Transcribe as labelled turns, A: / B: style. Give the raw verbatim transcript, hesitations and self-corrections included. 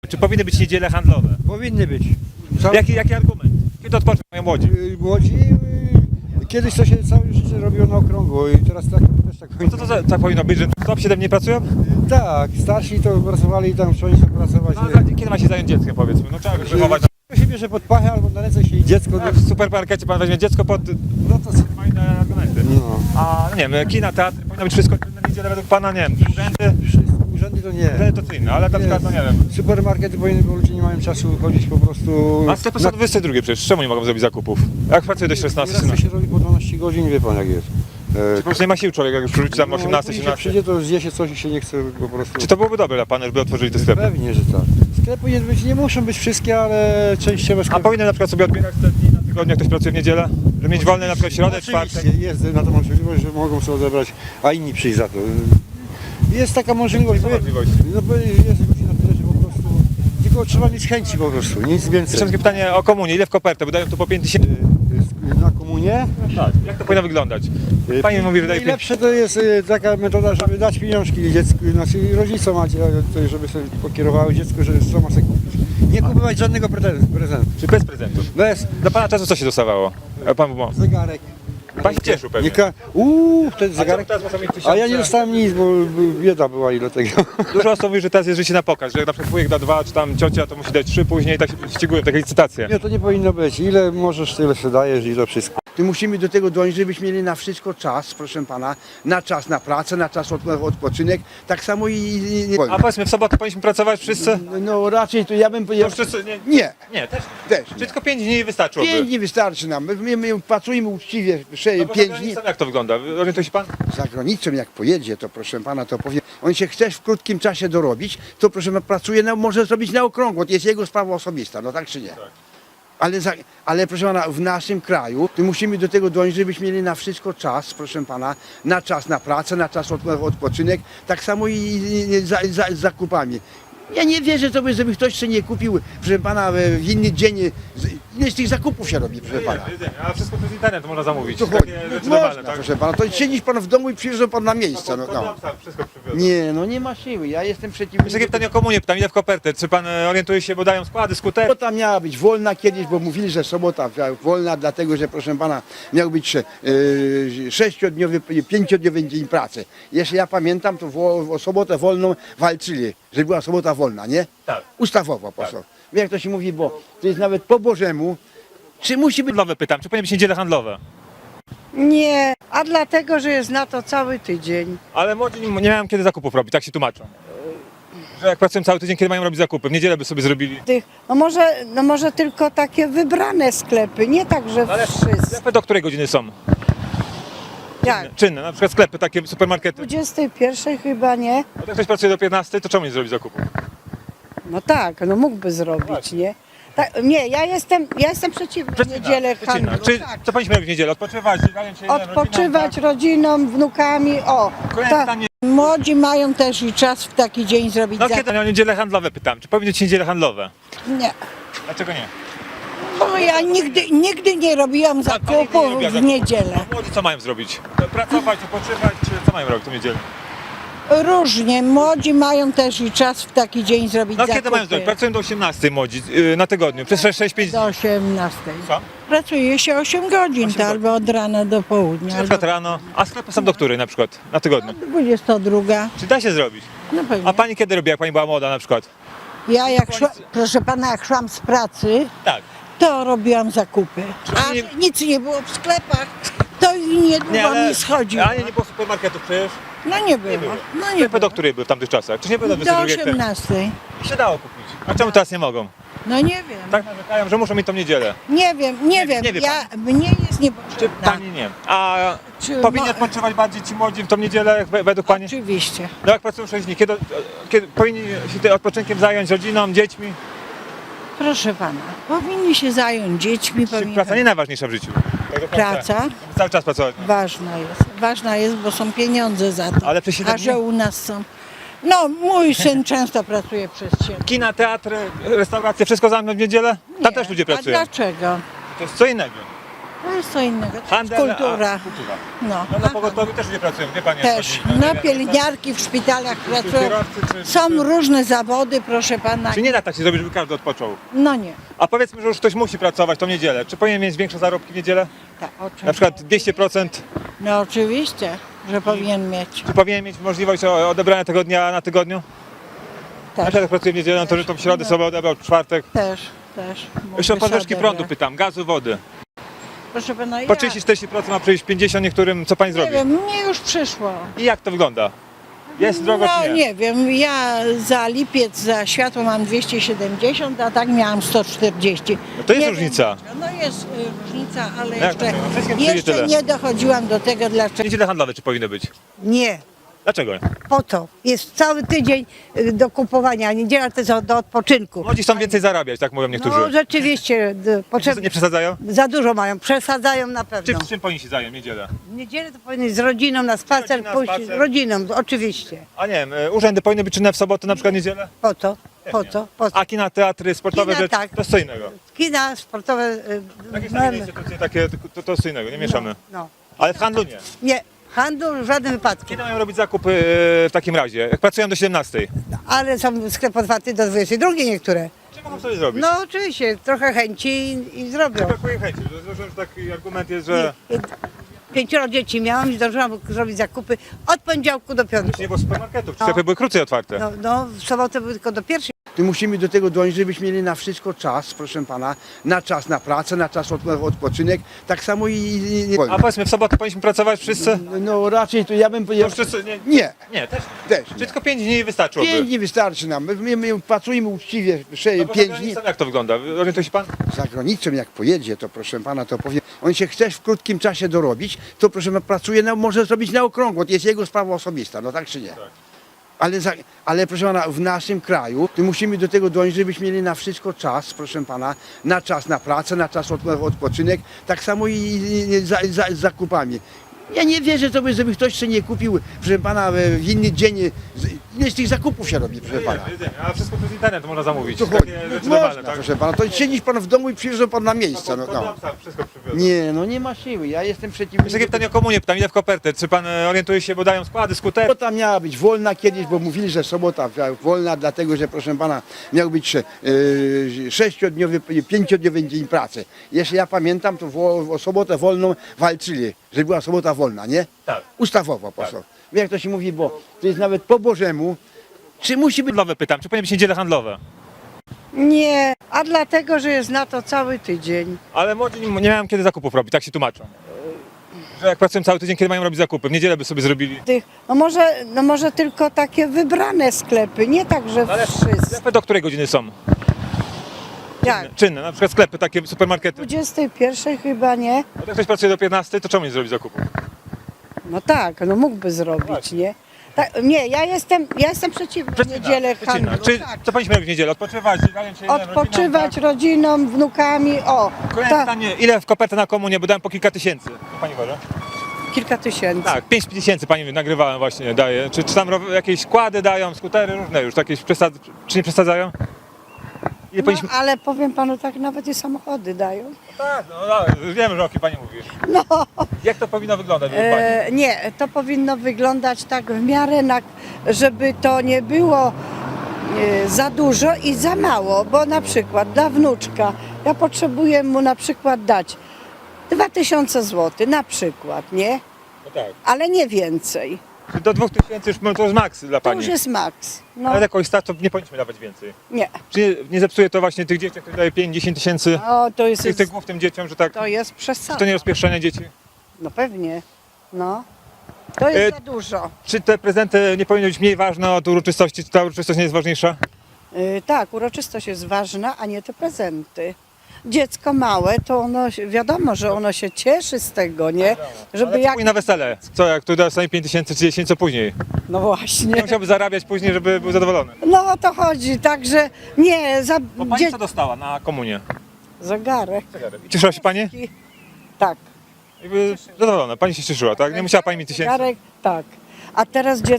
A: Czy powinny być niedziele handlowe?
B: Powinny być. Cały...
A: Jaki, jaki argument? Kiedy odpoczną mają młodzi?
B: y, Młodzi, y, kiedyś to się całe życie robiło na okrągło i teraz tak, też tak powinno.
A: Co to za, tak powinno być, że top siedem nie pracują?
B: Tak, starsi to pracowali tam, trzeba się pracować.
A: No, za- kiedy ma się zająć dzieckiem, powiedzmy? No trzeba go wychować.
B: To się bierze pod pachę albo na ręce się i dziecko.
A: No, w supermarkecie pan weźmie dziecko pod...
B: No to
A: Ma inne argumenty.
B: no.
A: A no nie wiem, kina, teatry, powinno być wszystko na niedzielę według pana, nie wiem, urzędy,
B: Wszystko, urzędy to nie.
A: urzędy to co inne, ale na przykład, no nie wiem.
B: Supermarkety powinny, bo ludzie nie mają czasu chodzić po prostu.
A: A sklepy są dwudziestej drugiej przecież, czemu nie mogą zrobić zakupów? Jak pracuje do szesnastej,
B: Nieraz to
A: siedemnastej?
B: się robi po dwanaście godzin, wie pan jak jest. E,
A: Po prostu nie ma sił człowiek, jak już wróci tam osiemnastej,
B: no, później się
A: siedemnastej.
B: przyjdzie, to zje się coś i się nie chce po prostu.
A: Czy to byłoby dobre dla pana, żeby otworzyli te sklepy?
B: Pewnie, że tak. Sklepy nie, być, nie muszą być wszystkie, ale częściowe
A: A
B: sklepy.
A: powinny na przykład sobie odbierać te dni na tygodniu, jak ktoś pracuje w niedzielę? Żeby mieć wolny na przykład środę,
B: Oczywiście,
A: czwartek?
B: jest na to możliwość, że mogą sobie odebrać, a inni przyjść za to. Jest taka możliwość.
A: Są
B: bo-
A: możliwości.
B: No bo jest ludzi na tyle, że po prostu tylko trzeba mieć chęci po prostu, nic więcej.
A: Jeszcze takie pytanie o komunię, ile w kopertę? Bo dają tu po pięć tysięcy.
B: Y, Na komunie
A: Tak. Jak to powinno wyglądać? Pani mówi, że daje pięć.
B: najlepsze to jest y, taka metoda, żeby dać pieniążki dziecku, znaczy rodzicom, a dzie- to żeby sobie pokierowały dziecko, że sama sobie kupić. Nie kupować żadnego prezentu. prezentu.
A: Czy bez prezentów?
B: Bez
A: Dla pana czasu co się dostawało? A pan był
B: zegarek.
A: Pan się cieszył pewnie.
B: Nie ka- Uuu, wtedy
A: A
B: zegarek.
A: teraz można mieć tysiące.
B: A ja nie dostałem nic, bo bo bieda była i dlatego.
A: Dużo osób mówi, że teraz jest życie na pokaz, że jak na przykład wujek da dwa, czy tam ciocia to musi dać trzy później, tak się ścigują, takie licytacje.
B: Nie, to nie powinno być. Ile możesz, tyle sobie dajesz i to wszystko.
C: Tu musimy do tego dążyć, żebyśmy mieli na wszystko czas, proszę pana, na czas na pracę, na czas od, odpoczynek, tak samo i... i, i
A: A powiedzmy, w sobotę powinniśmy pracować wszyscy?
C: no raczej to ja bym
A: To
C: powiedział...
A: wszyscy nie,
C: Nie,
A: nie też.
C: też
A: Czy
C: nie.
A: tylko pięć dni wystarczyłoby?
C: Pięć dni wystarczy nam, my, my, my pracujemy uczciwie, sze-
A: No bo za
C: pięć dni.
A: granicą jak to wygląda? Orientuje się pan?
C: Za granicą jak pojedzie, to proszę pana, to powie, on się chce w krótkim czasie dorobić, to proszę pana, pracuje, na, może zrobić na okrągło, to jest jego sprawa osobista, no tak czy nie? Ale, za, ale proszę pana, w naszym kraju tu musimy do tego dążyć, żebyśmy mieli na wszystko czas, proszę pana, na czas na pracę, na czas od, odpoczynek, tak samo i, i, i za, za, z zakupami. Ja nie wierzę sobie, żeby ktoś jeszcze nie kupił, proszę pana, w inny dzień, z- ile z tych zakupów się robi, proszę pana.
A: Jedzenie, a wszystko przez internet można zamówić.
C: To
A: Takie
C: chodzi.
A: rzeczy
C: Można,
A: normalne, tak?
C: proszę pana, to siedzisz pan w domu i przyjeżdża pan na miejsce. No, no.
A: Wszystko przywiozą.
C: Nie, no nie ma siły, ja jestem przeciwny.
A: Jeszcze takie pytanie o komunię, pytam, ile w kopertę? Czy pan e, orientuje się, bo dają składy, skuter?
C: Sobota miała być wolna kiedyś, bo mówili, że sobota wolna, dlatego że proszę pana miał być sze- yy, sześciodniowy, pięciodniowy dzień pracy. Jeśli ja pamiętam, to wo- o sobotę wolną walczyli, że była sobota wolna, nie?
A: Tak.
C: Ustawowo po prostu. Wiem jak to się mówi, bo to jest nawet po Bożemu. Czy musi być
A: Handlowe pytam, czy powinny być niedziele handlowe?
D: Nie, a dlatego, że jest na to cały tydzień.
A: Ale młodzi nie, nie mają kiedy zakupów robić, tak się tłumaczą. Że jak pracują cały tydzień, kiedy mają robić zakupy? W niedzielę by sobie zrobili.
D: Tych, no, może, no może tylko takie wybrane sklepy, nie tak, że wszyscy.
A: Sklepy do której godziny są?
D: Jak?
A: Czynne, na przykład sklepy, takie supermarkety.
D: dwudziestej pierwszej chyba nie.
A: A jak ktoś pracuje do piętnastej, to czemu nie zrobić zakupów?
D: No tak, no mógłby zrobić, nie? Tak, nie, ja jestem, ja jestem przeciwna
A: Przecina,
D: niedzielę
A: przecina.
D: handlu.
A: Czy
D: Tak.
A: co powinniśmy robić w niedzielę? Odpoczywać, zająć się
D: Odpoczywać
A: rodziną,
D: rodzinom, wnukami, o.
A: Kolejne
D: Tak.
A: pytanie.
D: Młodzi mają też i czas w taki dzień zrobić
A: tak? No
D: zakup.
A: kiedy o niedziele handlowe pytam, czy powinny być niedziele handlowe?
D: Nie,
A: Dlaczego nie?
D: bo ja nigdy, nigdy nie robiłam
A: Tak, pani nie
D: zakupów
A: robiła
D: w
A: zakupów.
D: niedzielę.
A: A młodzi co mają zrobić? Pracować, odpoczywać, czy co mają robić w tę niedzielę?
D: Różnie, młodzi mają też i czas w taki dzień zrobić
A: No
D: zakupy.
A: kiedy mają zrobić? Pracują do osiemnastej młodzi yy, na tygodniu, przez sześć pięć dni.
D: Do osiemnastej.
A: Co?
D: Pracuje się osiem godzin, to albo od rana do południa,
A: Na
D: albo
A: przykład rano, a sklepy są do której na przykład? Na tygodniu.
D: dwudziesta druga.
A: Czy da się zrobić?
D: No pewnie.
A: A pani kiedy robiła, jak pani była młoda na przykład?
D: Ja jak szła, proszę pana, jak szłam z pracy,
A: Tak.
D: to robiłam zakupy. A
A: nie-
D: że nic nie było w sklepach, to i niedługo mi schodziło.
A: A nie, nie było supermarketów przecież.
D: No nie było.
A: było.
D: No nie
A: Sklepy
D: było.
A: do której były w tamtych czasach? Czy nie było do
D: Do
A: dwudziestej drugiej?
D: osiemnastej.
A: Się dało kupić. A czemu teraz nie mogą?
D: No nie wiem.
A: Tak narzekają, że muszą mieć tą niedzielę.
D: Nie wiem, nie wiem.
A: nie wie
D: ja, mnie jest
A: Czy
D: niepotrzebna.
A: pani nie? A
D: Czy
A: powinni
D: mo-
A: odpoczywać bardziej ci młodzi w tą niedzielę jak we- według pani?
D: Oczywiście.
A: No jak pracują sześć dni, kiedy, kiedy powinni się tym odpoczynkiem zająć rodziną, dziećmi?
D: Proszę pana, powinni się zająć dziećmi,
A: Czy
D: powinni...
A: praca nie najważniejsza w życiu? Tak do końca.
D: Praca
A: Cały czas pracować.
D: ważna jest. Ważna jest, bo są pieniądze za to.
A: Ale przez siedem
D: A że
A: dni?
D: u nas są... No, mój syn często pracuje przez siebie.
A: Kina, teatry, restauracje, wszystko zamknąć w niedzielę? Tam też ludzie
D: A
A: pracują.
D: dlaczego?
A: To jest co innego.
E: To jest co innego. To
A: Handel,
E: jest kultura.
A: A, kultura.
E: No.
A: No na pogotowiu też nie pracują, wie pani. jak
E: Też.
A: chodzi.
E: No pielęgniarki w szpitalach pracują.
A: kierowcy, czy-
E: Są
A: czy-
E: różne zawody, proszę pana.
A: Czy nie da tak się zrobić, żeby każdy odpoczął?
E: No nie.
A: A powiedzmy, że już ktoś musi pracować tą niedzielę. Czy powinien mieć większe zarobki w niedzielę?
E: Tak, oczywiście.
A: Na przykład dwieście procent?
E: No oczywiście, że powinien mieć.
A: Czy powinien mieć możliwość o- odebrania tego dnia na tygodniu? Na
E: Też,
A: przykład jak pracuje w niedzielę, no to że tą środę sobie odebrał, w czwartek.
E: też, też.
A: Jeszcze o
E: mógłby
A: podwyżki
E: sobie
A: prądu
E: odebrać.
A: pytam, gazu, wody.
E: Proszę pana, ja
A: Po trzydzieści czterdzieści procent ma przyjść pięćdziesiąt niektórym, co pani
E: nie
A: zrobi?
E: wiem, mnie już przyszło.
A: I jak to wygląda? Jest drogo
E: No
A: czy nie?
E: nie wiem, ja za lipiec, za światło mam dwieście siedemdziesiąt, a tak miałam sto czterdzieści.
A: No to jest
E: Nie
A: różnica.
E: Wiem, no jest y, różnica, ale
A: Jak to
E: jeszcze,
A: nie? No wszystkim przyjdzie
E: jeszcze
A: tyle.
E: nie dochodziłam do tego, dlaczego.
A: Niedziele handlowe czy powinny być?
F: Nie,
A: Dlaczego?
F: po co? Jest cały tydzień y, do kupowania, a niedziela to jest od- do odpoczynku.
A: Młodzi chcą więcej zarabiać, tak mówią niektórzy.
F: No rzeczywiście, d- potrzeb...
A: Nie przesadzają?
F: za dużo mają, przesadzają na
A: Czy
F: pewno.
A: czym powinni się zająć w niedzielę?
F: W niedzielę to powinny z rodziną na spacer
A: Rodzina,
F: pójść,
A: spacer.
F: rodziną, oczywiście.
A: A nie wiem, y, urzędy powinny być czynne w sobotę, na przykład niedzielę?
F: Po co? Po
A: nie.
F: co? Po co?
A: A kina, teatry, sportowe
F: Kina,
A: rzeczy,
F: tak.
A: to jest co innego.
F: Kina sportowe... y,
A: Jakieś
F: no,
A: tam inne instytucje takie, to, to jest co innego, nie mieszamy.
F: no.
A: Ale w handlu nie.
F: Nie, handlu w żadnym wypadku.
A: Kiedy mają robić zakupy y, w takim razie? Jak pracują do siedemnastej?
F: Ale są sklepy otwarte do dwudziestej drugiej niektóre.
A: Czy mogą sobie zrobić?
F: No oczywiście, trochę chęci i, i zrobią.
A: Brakuje chęci, że, że, że taki argument jest, że
F: Pięcioro dzieci miałam i zdążyłam zrobić zakupy od poniedziałku do piątku.
A: nie było supermarketów,
F: No.
A: sklepy były krócej otwarte.
F: No, no w sobotę były tylko do pierwszej.
C: Tu musimy do tego dążyć, żebyśmy mieli na wszystko czas, proszę pana, na czas na pracę, na czas od, odpoczynek, tak samo i... i, i
A: A powiedzmy, w sobotę powinniśmy pracować wszyscy?
C: no raczej to ja bym
A: No
C: powiedział...
A: wszyscy nie,
C: Nie,
A: nie też.
C: też
A: Czy
C: nie.
A: tylko pięć dni wystarczyłoby?
C: Pięć dni wystarczy nam. My, my pracujemy uczciwie sze-
A: No bo za
C: pięć dni.
A: granicą jak to wygląda? Orientuje się pan?
C: Za granicą jak pojedzie, to proszę pana, to powiem, on się chce w krótkim czasie dorobić, to proszę pana, pracuje, na, może zrobić na okrągło, to jest jego sprawa osobista, no tak czy nie? Ale, za, ale proszę pana, w naszym kraju to musimy do tego dążyć, żebyśmy mieli na wszystko czas, proszę pana, na czas na pracę, na czas od, odpoczynek, tak samo i, i, i za, za, z zakupami. Ja nie wierzę, to by, żeby ktoś jeszcze nie kupił, proszę pana, w inny dzień, z- ile z tych zakupów się robi, proszę pana.
A: Jedziemy, jedziemy. A wszystko przez internet można zamówić.
C: Tu chodzi.
A: Takie rzeczy
C: Można,
A: normalne, tak?
C: proszę pana, to siedzisz pan w domu i przyjeżdża pan na miejsce. No, no.
A: Sam wszystko przywiozę.
C: Nie, no nie ma siły, ja jestem
A: Jeszcze
C: przeciwny.
A: takie pytanie o komunię, pytam, ile w kopertę? Czy pan e, orientuje się, bo dają składy, skuter?
C: Sobota miała być wolna kiedyś, bo mówili, że sobota wolna, dlatego że proszę pana miał być sze- yy, sześciodniowy, pięciodniowy dzień pracy. Jeśli ja pamiętam, to wo, o sobotę wolną walczyli, że była sobota wolna, nie?
A: Tak.
C: Ustawowo po prostu. Wie jak to się mówi, bo to jest nawet po Bożemu. Czy musi być
A: Handlowe pytam, czy powinny być niedziele handlowe?
D: Nie, a dlatego, że jest na to cały tydzień.
A: Ale młodzi nie nie mają kiedy zakupów robić, tak się tłumaczą. Że jak pracują cały tydzień, kiedy mają robić zakupy? W niedzielę by sobie zrobili.
D: Tych, no, może, no może tylko takie wybrane sklepy, nie tak, że wszyscy.
A: Sklepy do której godziny są?
D: Jak?
A: Czynne, na przykład sklepy, takie supermarkety.
D: dwudziestej pierwszej chyba nie.
A: A jak ktoś pracuje do piętnastej, to czemu nie zrobić zakupów?
D: No tak, no mógłby zrobić, nie? Tak, nie, ja jestem, ja jestem przeciwna
A: Przecina,
D: niedzielę
A: przecina.
D: handlu.
A: Czy
D: Tak.
A: co powinniśmy robić w niedzielę? Odpoczywać, zająć się
D: Odpoczywać
A: rodziną,
D: rodziną, wnukami, o,
A: tak? Kolejne
D: tak,
A: pytanie, ile w kopertę na komunię, bo dałem po kilka tysięcy. Co pani uważa?
D: kilka tysięcy.
A: Tak, pięć tysięcy pani nagrywałem właśnie, daje. Czy, czy tam ro- jakieś składy dają, skutery różne już, jakieś przesad... czy nie przesadzają? Ile
D: No,
A: powinniśmy...
D: ale powiem panu tak, nawet i samochody dają.
A: Tak, no, no wiem, że o kim pani mówi.
D: No,
A: Jak to powinno wyglądać według pani?
D: e, nie, to powinno wyglądać tak w miarę, na, żeby to nie było e, za dużo i za mało, bo na przykład dla wnuczka ja potrzebuję mu na przykład dać dwa tysiące złotych, na przykład, nie?
A: No tak.
D: Ale nie więcej.
A: Czy do dwóch tysięcy już no, to jest maks dla
D: To
A: pani.
D: już jest maks. No,
A: Ale jakoś stać, to nie powinniśmy dawać więcej.
D: nie.
A: Czy nie, nie zepsuje to właśnie tych dzieci, które daje pięć dziesięć tysięcy?
D: O, to jest,
A: Tych, tych głów tym dzieciom, że tak...
D: to jest
A: Czy
D: przesada.
A: to nie rozpieszczenie dzieci?
D: No pewnie. No. To jest
A: E,
D: za dużo.
A: Czy te prezenty nie powinny być mniej ważne od uroczystości? Czy ta uroczystość nie jest ważniejsza?
D: Y, tak, uroczystość jest ważna, a nie te prezenty. Dziecko małe, to ono, się- wiadomo, że ono się cieszy z tego, nie? Żeby
A: Ale
D: jak...
A: jak... na wesele. Co, jak tu dostanie pięć tysięcy czy dziesięć, co później?
D: No właśnie.
A: Nie musiałby zarabiać później, żeby był zadowolony.
D: No o to chodzi, także nie, za...
A: Bo pani
D: dzie-
A: co dostała na komunię?
D: Zegarek.
A: I cieszyła się pani?
D: Tak.
A: Jakby zadowolona, pani się cieszyła, tak? Nie musiała pani mieć tysięcy.
D: Zegarek, tak. A teraz dziecko